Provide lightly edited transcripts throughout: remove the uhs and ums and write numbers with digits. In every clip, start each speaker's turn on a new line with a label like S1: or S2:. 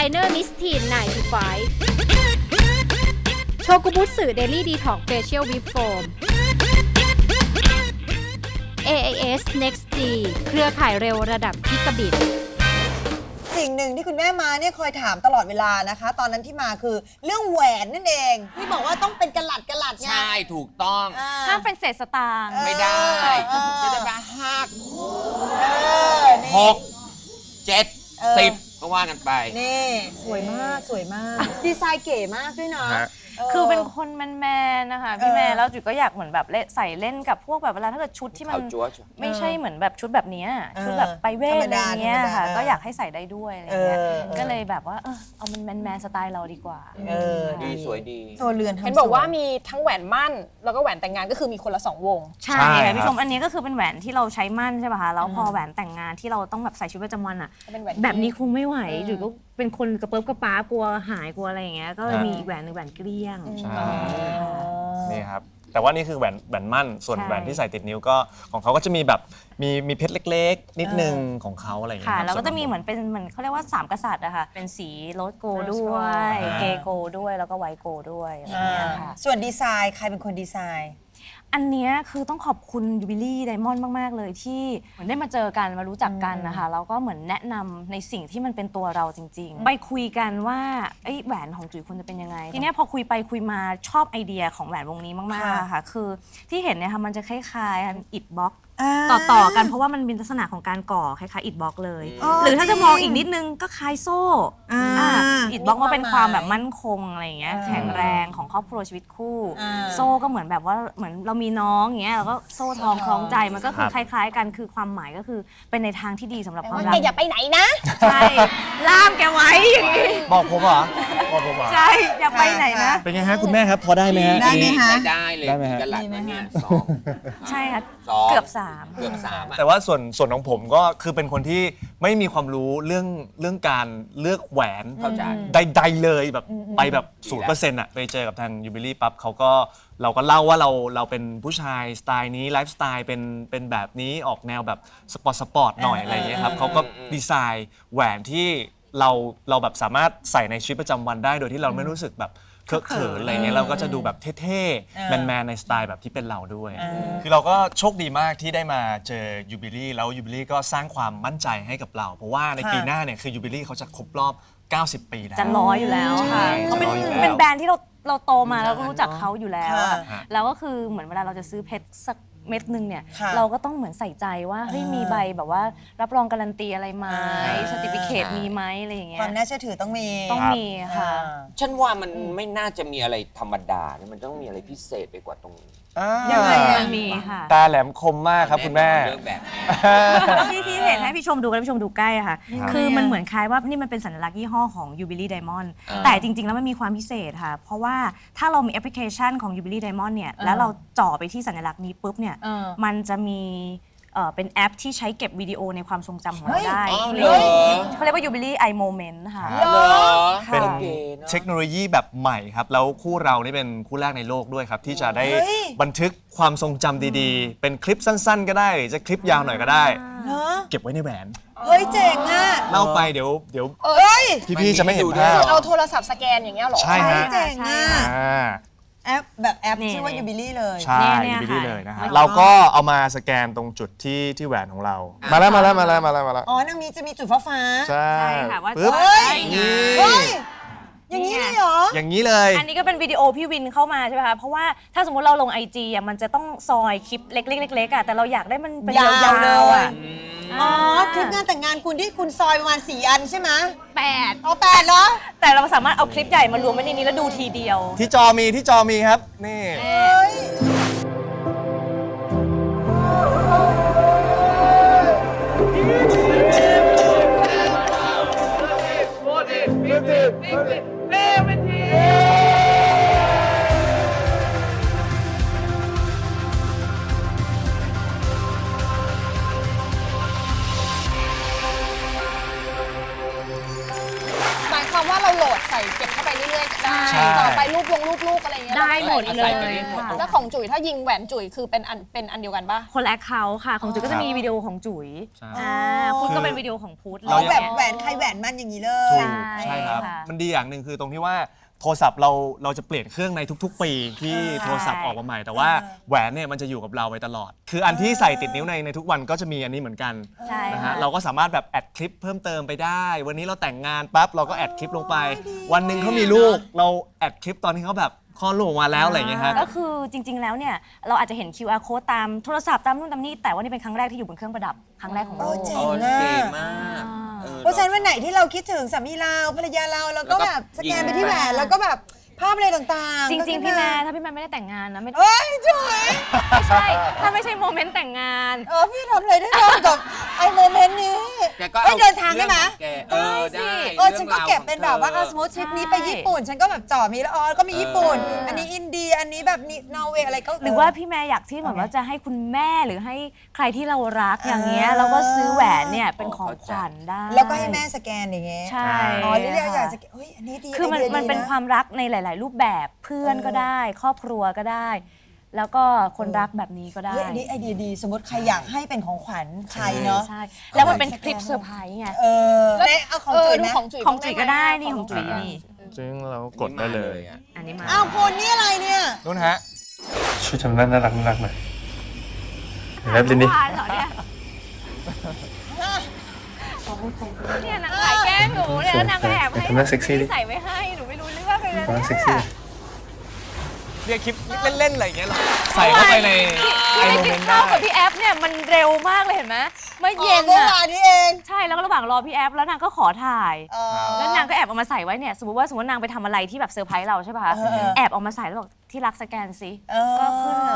S1: เนอร์มิสทีน95โชกุบุสึเดลี่ดีท็อกเฟเชียลวิปโฟม AIS Next G เครือข่ายเร็วระดับกิกะบิต
S2: สิ่งหนึ่งที่คุณแม่มาเนี่ยคอยถามตลอดเวลานะคะตอนนั้นที่มาคือเรื่องแหวนนั่นเองที่บอกว่าต้องเป็นกะลัดไง
S3: ใช่ถูกต้อง
S4: ห้ามเป็นเศษสตางค์
S3: ไม่ได้จะได้มา6 7 10ก็ว่ากันไป
S2: นี่สวยมากดีไซน์เก๋มากด้วยนะ
S4: คือเป็นคนแมนๆนะคะพี่แม่แล้วจุ๋ยก็อยากเหมือนแบบใส่เล่นกับพวกแบบเวลาถ้าเกิดชุดที่มันไม่ใช่เหมือนแบบชุดแบบนี้ชุดแบบไปเวทอะไรเงี้ยค่ะก็อยากให้ใส่ได้ด้วยอะไรเงี้ยก็เลยแบบว่าเอามันแมนสไตล์เราดีกว่า
S3: ดีสวยดี
S2: ตัวเรือน
S5: เห็นบอกว่ามีทั้งแหวนมั่นแล้วก็แหวนแต่งงานก็คือมีคนละ2 วง
S4: ใช่ค่ะพี่ชมอันนี้ก็คือเป็นแหวนที่เราใช้มั่นใช่ป่ะคะแล้วพอแหวนแต่งงานที่เราต้องแบบใส่ชุดประจำวันอ่ะแบบนี้คงไม่ไหวจุ๋ยก็เป็นคนกระเปิ๊บกระป๊ากลัวหายกลัวอะไรอย่างเงี้ยก็เลยมีอีกแหวนนึงแหวนเกลี้ยง
S6: นี่ครับแต่ว่านี่คือแหวนมั่นส่วนแหวนที่ใส่ติดนิ้วก็ของเขาก็จะมีแบบมีเพชรเล็กๆนิดนึงของเขาอะไรอย่างเงี้ย
S4: ค่ะแล้วก็จะมีเหมือนเป็นเหมือนเขาเรียกว่า3 กษัตริย์อะค่ะเป็นสีโรสโกด้วยเกโกด้วยแล้วก็ไวโกด้วยอะไรอย่างเงี้ยค่ะ
S2: ส่วนดีไซน์ใครเป็นคนดีไซน์
S4: อันนี้คือต้องขอบคุณยูบิลี่ไดมอนด์มากๆเลยที่เหมือนได้มาเจอกันมารู้จักกันนะคะแล้วก็เหมือนแนะนำในสิ่งที่มันเป็นตัวเราจริงๆไปคุยกันว่าแหวนของจุ๋ยควรจะเป็นยังไงทีนี้พอคุยไปคุยมาชอบไอเดียของแหวนวงนี้มากๆค่ะคือที่เห็นเนี่ยค่ะมันจะคล้ายๆอิฐบล็อกต่อกันเพราะว่ามันเป็นลักษณะของการก่อคล้ายๆอิฐบล็อกเลยหรือถ้าจะมองอีกนิดนึงก็คล้ายโซ่อิฐบล็อกว่าเป็นความแบบมั่นคงอะไรอย่างเงี้ยแข็งแรงของครอบครัวชีวิตคู่โซ่ก็เหมือนแบบว่าเหมือนเรามีน้องอย่างเงี้ยแล้วก็โซ่ทองคล้องใจมันก็คือคล้ายๆกันคือความหมายก็คือเป็นในทางที่ดีสำหรับความรัก
S5: แกอย่าไปไหนนะ
S4: ใช่ล่ามแกไว้อย่างงี้
S6: บอกผมเหรอ
S4: ใช่อย่าไปไหนนะ
S6: เป็นไงฮะคุณแม่ครับพอได้ไหมฮะ
S2: ได้ไหมคะ
S3: ได้เลยกะหลัดมาเนี่ย2
S4: ใช่ค่ะเกือบ3
S6: แต่ว่าส่วนของผมก็คือเป็นคนที่ไม่มีความรู้เรื่องการเลือกแหวนใดๆเลยแบบไปแบบ 0% อ่ะไปเจอกับทางยูบิลี่ปั๊บเราก็เล่าว่าเราเป็นผู้ชายสไตล์นี้ไลฟ์สไตล์เป็นแบบนี้ออกแนวแบบสปอร์ตหน่อยอะไรอย่างเงี้ยครับเขาก็ดีไซน์แหวนที่เราแบบสามารถใส่ในชีวิตประจำวันได้โดยที่เราไม่รู้สึกแบบเคอะเขินอะไรเงี้ยเราก็จะดูแบบเท่ๆแมนๆในสไตล์แบบที่เป็นเราด้วยคือเราก็โชคดีมากที่ได้มาเจอยูบิลี่แล้วยูบิลี่ก็สร้างความมั่นใจให้กับเราเพราะว่าในปีหน้าเนี่ยคือยูบิลี่เขาจะครบรอบ90 ปีแล้ว
S4: จะ100อยู่แล้วค่ะเขาเป็นแบรนด์ที่เราโตมาแล้วก็รู้จักเขาอยู่แล้วแล้วก็คือเหมือนเวลาเราจะซื้อเพชรสักเม็ดนึงเนี่ยเราก็ต้องเหมือนใส่ใจว่าเฮ้ยมีใบแบบว่ารับรองการันตีอะไรไหมซอร์ติฟิเคตมีไหมอะไรอย่างเงี้ย
S2: ความน่าเชื่อถือต้องมี
S4: ค่ะ
S3: ฉันว่ามันไม่น่าจะมีอะไรธรรมดามันต้องมีอะไรพิเศษไปกว่าตรงนี้
S4: ยังไงมันมีค่ะ
S6: ตาแหลมคมมากครับคุณแม่
S3: เรื่องแบบนี้
S4: ที่เห็นให้พี่ชมดูกันพี่ชมดูใกล้ค่ะคือมันเหมือนคล้ายว่านี่มันเป็นสัญลักษณ์ยี่ห้อของ Jubilee Diamond แต่จริงๆแล้วมันมีความพิเศษค่ะเพราะว่าถ้าเรามีแอปพลิเคชันของ Jubilee Diamond เนี่ยแล้วเราจ่อไปที่สัญลักษณ์นี้ปุ๊บเนี่ยมันจะมีเป็นแอปที่ใช้เก็บวิดีโอในความทรงจำของเราได้เขาเรียกว่า Jubilee i Moment ค่ะ
S6: เป็นเทคโนโลยีแบบใหม่ครับแล้วคู่เรานี่เป็นคู่แรกในโลกด้วยครับที่จะได้บันทึกความทรงจำดีๆเป็นคลิปสั้นๆก็ได้หรือจะคลิปยาวหน่อยก็ได้เก็บไว้ในแหวน
S2: เฮ้ยเจ๋งอ่ะ
S6: เล่าไปเดี๋ยวพี่ๆจะไม่เห็นภาพ
S5: เอาโทรศัพท์สแกนอย่างเงี้ยหรอ
S6: ใช่ฮะ
S2: เจ๋งอ่ะแอปแบบแอปชื่อว่ายูบิลี่เลย
S6: ใช่ยูบิลี่เลยนะฮะเราก็เอามาสแกนตรงจุดที่แหวนของเรามาแล้ว
S2: อ๋อนางมีจะมีจุดฟ้า
S6: ใช่
S4: ค่ะว่า
S2: อย่างนี้เลยเหรอ
S6: อย่างนี้เลย
S4: อันนี้ก็เป็นวิดีโอพี่วินเข้ามาใช่ไหมคะเพราะว่าถ้าสมมติเราลง IG อ่ะมันจะต้องซอยคลิปเล็กๆอ่ะแต่เราอยากได้มันเป็นยาวๆอ่ะ
S2: อ๋อคลิปงานแต่งงานคุณที่คุณซอยประมาณ4 อันใช่ไหม
S4: 8
S2: เอา8เหรอ
S4: แต่เราสามารถเอาคลิปใหญ่มารวมไว้ในนี้แล้วดูทีเดียว
S6: ที่จอมีครับนี่
S5: หมายความว่าเราโหลดใส่เก็บเข้าไปเรื่อยๆได้
S6: ใช่
S5: ต่อไปรูปอะไรอย่างเงี้ย
S4: ได้หมด
S5: รา
S4: เล
S5: ใส่
S4: ย
S5: ไป
S4: ค่ะ
S5: แล้วของจุ๋ยถ้ายิงแหวนจุ๋ยคือเป็นอันเดียวกันปะ
S4: คนละแอคเคาท์ค่ะ ของจุ๋ยก็จะมีวิดีโอของจุ๋ย
S6: ใช่
S4: พุทธก็เป็นวิดีโอของพุทธ
S2: เราแบบ
S4: อะไร
S2: แหว
S4: งี้ย
S2: นใครแหวนมันอย่างนี้เล
S6: ถู
S2: ย
S6: กใช่ครับ
S4: ค่ะ
S6: มันดีอย่างหนึ่งคือตรงที่ว่าโทรศัพท์เราจะเปลี่ยนเครื่องในทุกๆ ปีที่โทรศัพท์ออกมาใหม่ แต่ว่าแหวนเนี่ยมันจะอยู่กับเราไปตลอด คืออันที่ใส่ติดนิ้วในทุกวันก็จะมีอันนี้เหมือนกัน
S4: ใช่
S6: นะ
S4: ค่ะ
S6: ฮะเราก็สามารถแบบแอดคลิปเพิ่มเติมไปได้ วันนี้เราแต่งงานปั๊บเราก็แอดคลิปลงไป วันหนึ่งเขามีลูกเราแอดคลิปตอนที่เขาแบบคลอดลูกออกมาแล้วอะไรอย่างเงี้ยฮะ
S4: ก็คือจริง ๆ แล้วเนี่ยเราอาจจะเห็น QR code ตามโทรศัพท์ตามนู่นตามนี่แต่ว่านี่เป็นครั้งแรกที่อยู่บนเครื่องประดับครั้งแรกของโลก
S2: โอ้เจ๋
S3: โอ้
S2: งอะ
S3: เก๋มากออ
S2: เพราะฉะนั้นวันไหนที่เราคิดถึงสามีเราภรรยาเราแล้วก็แบบสแกนไปที่แหวนแล้วก็แบบภาพอะไรต่างๆ
S4: จริง ๆ
S2: ก็
S4: พี่
S2: ขึ้น
S4: แม่ถ้าพี่แม่ไม่ได้แต่งงานนะไม่
S2: เอ้ยจุ๋ย
S4: ไม่ใช่ถ้าไม่ใช่โมเมนต์แต่งงาน
S2: พี่ทำอะไรได้บ้างกับไอ้โมเมนต์นี้
S3: แกก็
S2: เอ้ยเดินทางได้ไหม
S3: แกได้
S2: ฉันก็เก็บเป็นแบบว่าสมมติทริปนี้ไปญี่ปุ่น ฉันก็แบบจ่อมีแล้วก็มีญี่ปุ่น อันนี้อินเดียอันนี้แบบนอร์เวย์อะไรก็
S4: หรือว่าพี่แม่อยากที่เหมือนว่าจะให้คุณแม่หรือให้ใครที่เรารักอย่างเงี้ยเราก็ซื้อแหวนเนี่ยเป็นของขวัญได้
S2: แล้วก็ให้แม่สแกนอย่างเงี้ย
S4: ใช่
S2: เรียกอยากสแกนเฮ้ยอันนี้ดี
S4: คือมัน
S2: ไดีย
S4: มันเป็น
S2: ดีะ
S4: ความรักในหลาย ๆ รูปแบบเพื่อนก็ได้ ครอบครัวก็ได้ แล้วก็คนรักแบบนี้ก็ได้
S2: เฮ้ยอันนี้ไอเดียดีสมมติใครอยากให้เป็นของขวัญใครเนาะ
S4: ใช่แล้วมันเป็นคลิปเซอร์ไพรส์ไง
S2: เน่เอาของจุ๋ย
S5: ดู
S2: ไหม
S5: ของจุ๋ย
S4: ของจุ๋ยก็ได้นี่ของจุ๋ยนี่
S6: ซึ่งเรากดได้เลย
S3: อ่ะ
S4: อันนี้มา
S2: อ้าวคุณนี่อะไรเนี่ย
S6: นู่นฮะชุดทำน่ารักน่ารักหน่อยแล้วลินนี่
S4: หวานเหรอเนี่ยเนี่ยนางถ่ายแกล้งหนูเนี่ยแล้วนางก็แอบให้
S6: ทำหน้าเซ็กซี่ดิ
S4: ใส่ไว้ให้หนูไม่รู้เรื่องเลยนะ
S6: ทำหน้าเซ็ก
S4: เนี่
S6: ซี่
S4: ย
S6: เรียกคลิปเล่นๆอะไรอย่างเงี้ยหรอใส่เข้าไปใน
S4: ที่
S6: ไอ
S4: ได้
S6: โม
S4: กิ
S6: เม
S4: น
S6: นต์
S4: ข้า
S6: ได้
S4: วกับพี่แอฟเนี่ยมันเร็วมากเลยเห็นไหมเมื่อเย็น
S2: เมื่อ
S4: อะ
S2: วานนี้เอง
S4: ใช่แล้วก็ระหว่างรอพี่แอฟแล้วนางก็ขอถ่าย
S2: อ๋อ
S4: แล้วนางก็แอบเอามาใส่ไว้เนี่ยสมมติว่านางไปทำอะไรที่แบบเซอร์ไพรส์เราใช่ป่ะคะแอบเอามาใส่แล้วบอกที่รักสแกนสิก็ขึ้นเลย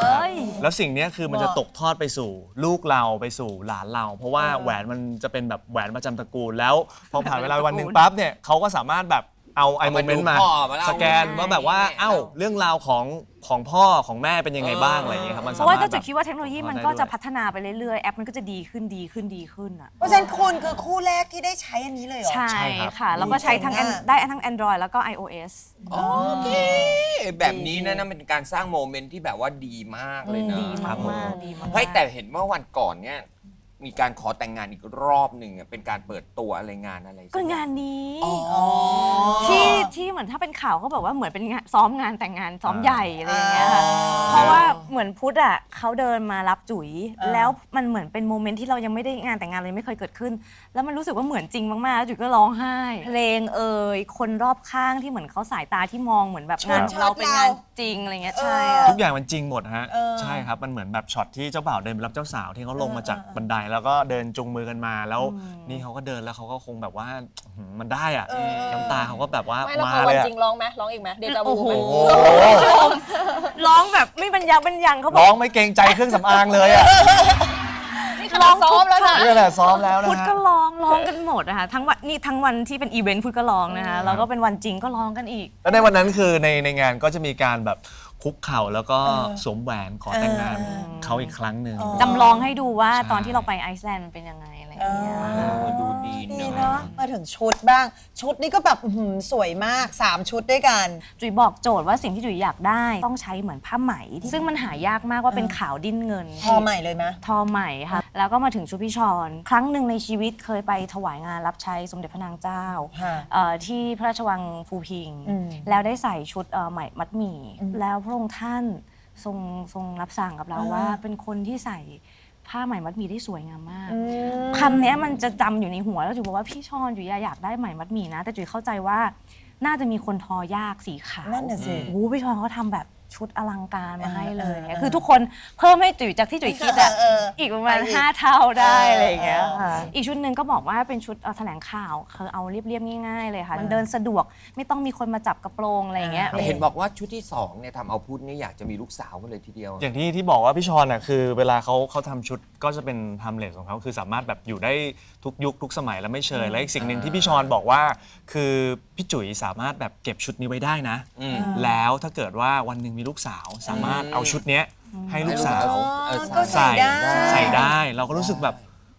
S6: แล้วสิ่งเนี้ยคือมันจะตกทอดไปสู่ลูกเราไปสู่หลานเรา เพราะว่าแหวนมันจะเป็นแบบแหวนประจำตระกูลแล้วพอผ่านเวลาวันหนึ่งปั๊บเนี่ยเขาก็สามารถแบบเอาไอโมเมนต์มา
S3: เอามาดูพ่อมาเล่า
S6: สแกนว่าแบบว่าเอ้าเรื่องราวของพ่อของแม่เป็นยังไงบ้างอะไรอย่างเงี้ยครับมัน
S4: เพ
S6: สา
S4: ราะ
S6: มา
S4: ว่าร
S6: ถ
S4: ก็
S6: แบ
S4: จะ
S6: บ
S4: คิดว่าเทคโนโลยีมันก็จะพัฒนาไปเรื่อยๆแอปมันก็จะดีขึ้นอ่ะ
S2: เพราะฉะนั้นคุณคือคู่แรกที่ได้ใช้อันนี้เลยเหรอ
S4: ใช่
S6: ใช่ครับ
S4: ค่ะ แล้วก็ใช้ทั้ง
S2: เจ๋งอะ
S4: ได้ทั้ง Android แล้วก็ iOS
S3: โอเค แบบนี้นะเป็นการสร้างโมเมนต์ที่แบบว่าดีมากเลยนะ
S4: ดีมากๆดีมากๆ
S3: เฮ้ยแต่เห็นว่าวันก่อนเนี่ยมีการขอแต่งงานอีกรอบหนึ่งอะเป็นการเปิดตัวอะไรงานอะไร
S4: ก็งานนี้
S3: อ๋อ
S4: ที่เหมือนถ้าเป็นข่าวก็แบบว่าเหมือนเป็นงานซ้อมงานแต่งงานซ้อมใหญ่อะไรอย่างเงี้ยค่ะเพราะว่าเหมือนพุทธอ่ะเขาเดินมารับจุ๋ยแล้วมันเหมือนเป็นโมเมนต์ที่เรายังไม่ได้งานแต่งงานเลยไม่เคยเกิดขึ้น แล้วมันรู้สึกว่าเหมือนจริงมากๆแล้วจุ๋ยก็ร้องไห้เพลงคนรอบข้างที่เหมือนเขาสายตาที่มองเหมือนแบบงานของเราเป็นงานจริงอะไรเงี้ยใช่อะ
S6: ทุกอย่างมันจริงหมดฮะใช่ครับมันเหมือนแบบช็อตที่เจ้าบ่าวเดินไปรับเจ้าสาวที่เขาลงมาจากบันไดแล้วก็เดินจูงมือกันมาแล้วนี่เขาก็เดินแล้วเขาก็คงแบบว่ามันได้อะน้ำตาเขาก็แบบว่า
S5: ไม่แล้ว
S6: มา
S5: พอ
S6: เล
S5: วัน
S6: ยอะ
S5: จริงร้องไหมร้องอีกไหมเดจาวู
S4: โอ้โห
S5: ไหม
S4: ร้องแบบไม่บรรยังเขาบ
S6: ร้
S4: อ
S6: อก งไม่เกรงใจเครื่องสำอางเลยอะ
S5: นี่ขนาดซ้อมแล้วนะ
S6: นี่แหละซ้อมแล้วนะ
S4: พุทธ
S6: ฮะ
S4: ก็ร้องกันหมดนะคะทั้งวันที่เป็นอีเวนต์พุทธก็ร้องนะคะแล้วก็เป็นวันจริงก็ร้องกันอีก
S6: แล้วในวันนั้นคือในงานก็จะมีการแบบคุกเข่าแล้วก็สวมแหวนขอแต่งงานเขาอีกครั้งหนึ่ง
S4: จำลองให้ดูว่า
S6: ใช่
S4: ตอนที่เราไปไอซ์แลนด์มันเป็นยังไงอะไรอย่างเงี้ย
S3: ดูดี
S2: ดี
S3: เน
S2: เนาะ
S3: อะ
S2: มาถึงชุดบ้าง ชุดนี้ก็แบบสวยมาก 3 ชุดด้วยกัน
S4: จุ๋ยบอกโจทย์ว่าสิ่งที่จุ๋ยอยากได้ต้องใช้เหมือนผ้าไหม ซึ่งมันหายากมากว่าเป็นขาวดิ้นเงิน
S2: พอใหม่เลยไหม
S4: ทอใหม่ค่ะแล้วก็มาถึงชุดพี่ชอนครั้งหนึ่งในชีวิตเคยไปถวายงานรับใช้สมเด็จพระนางเจ้า
S2: ค่ะ
S4: ที่พระราชวังภูพิงค์
S2: อืม
S4: แล้วได้ใส่ชุดไหมมัดหมี่แล้วพระองค์ท่านทรงรับสั่งกับเราว่าเป็นคนที่ใส่ผ้าไหมมัดหมี่ได้สวยงามมากคำเนี้ยมันจะจำอยู่ในหัวแล้วจุ๋ยบอกว่าพี่ชอนจุ๋ยอยากได้ไหมมัดหมี่นะแต่จุ๋ยเข้าใจว่าน่าจะมีคนทอยากสีขาว
S2: นั่นน่ะสิ
S4: โอ้โหพี่ชอนเขาทำแบบชุดอลังการมาให้เลยคือทุกคนเพิ่มให้จุ๋ยจากที่จุ๋ยคิดอะอีกประมาณ5 เท่าได้อะไรอย่างเงี้ยค่ะอีกชุดหนึ่งก็บอกว่าเป็นชุดแถลงข่าวคือเอาเรียบๆง่ายๆเลยค่ะมันเดินสะดวกไม่ต้องมีคนมาจับกระโปรงอะไรอย่างเงี้ย
S3: แต่เห็นบอกว่าชุดที่2เนี่ยทำเอาพุทธเนี่ยอยากจะมีลูกสาวกันเลยทีเดียว
S6: อย่างที่บอกว่าพี่ชอนอ่ะคือเวลาเขาทำชุดก็จะเป็นไทม์เลสของเขาคือสามารถแบบอยู่ได้ทุกยุคทุกสมัยแล้วไม่เชยและอีกสิ่งหนึ่งที่พี่ชอนบอกว่าคือพี่จุ๋ยสามารถแบบเก็บชุดนี้ไว้ได้นะ แล้วถ้าเกิดว่าวันหนึ่งมีลูกสาวสามารถเอาชุดเนี้ยให้ลูกสาว
S2: ก็ใส่ได้
S6: ใส่ได้เราก็รู้สึกแบบ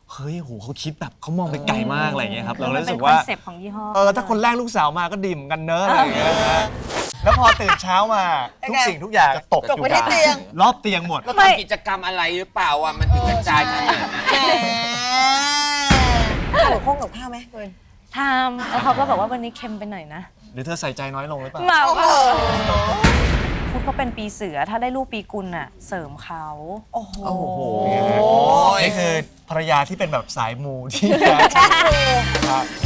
S6: เฮ้ยโหเขาคิดแบบเขามองไปไกลมากอะไรอย่างเงี้ยครับเราเลย
S4: มัน
S6: รู้
S4: เป็
S6: สึ
S4: น
S6: ก
S4: คอ
S6: ว่า
S4: นเซปต์ของยี่ห้อ
S6: ถ้าคนแรกลูกสาวมาก็ดีเหมือนกันเนอะอะไรอย่างเงี้ยนะแล้วพอตื่นเช้ามาทุกสิ่งทุกอย่างจะตก
S2: ตก
S6: อยู่
S2: ไปที่เตียง
S6: รอบเตียงหมด
S3: แล้วทำกิจกรรมอะไรหรือเปล่าอ่ะมันถึงกระจายขนาดนั้น
S2: แหมข้าวกับข้าวไหมคุณ
S4: ทำแล้วเขาก็บอกว่าวันนี้เค็มไปหน่อยนะ
S6: หรือเธอใส่ใจน้อยลงหรือเปล่า
S4: เราพุทธก็เป็นปีเสือถ้าได้ลูกปีกุลน่ะเสริมเขา
S2: โอ้โห
S6: โอ้โหนี่คือภรรยาที่เป็นแบบสายมูที่ ครับ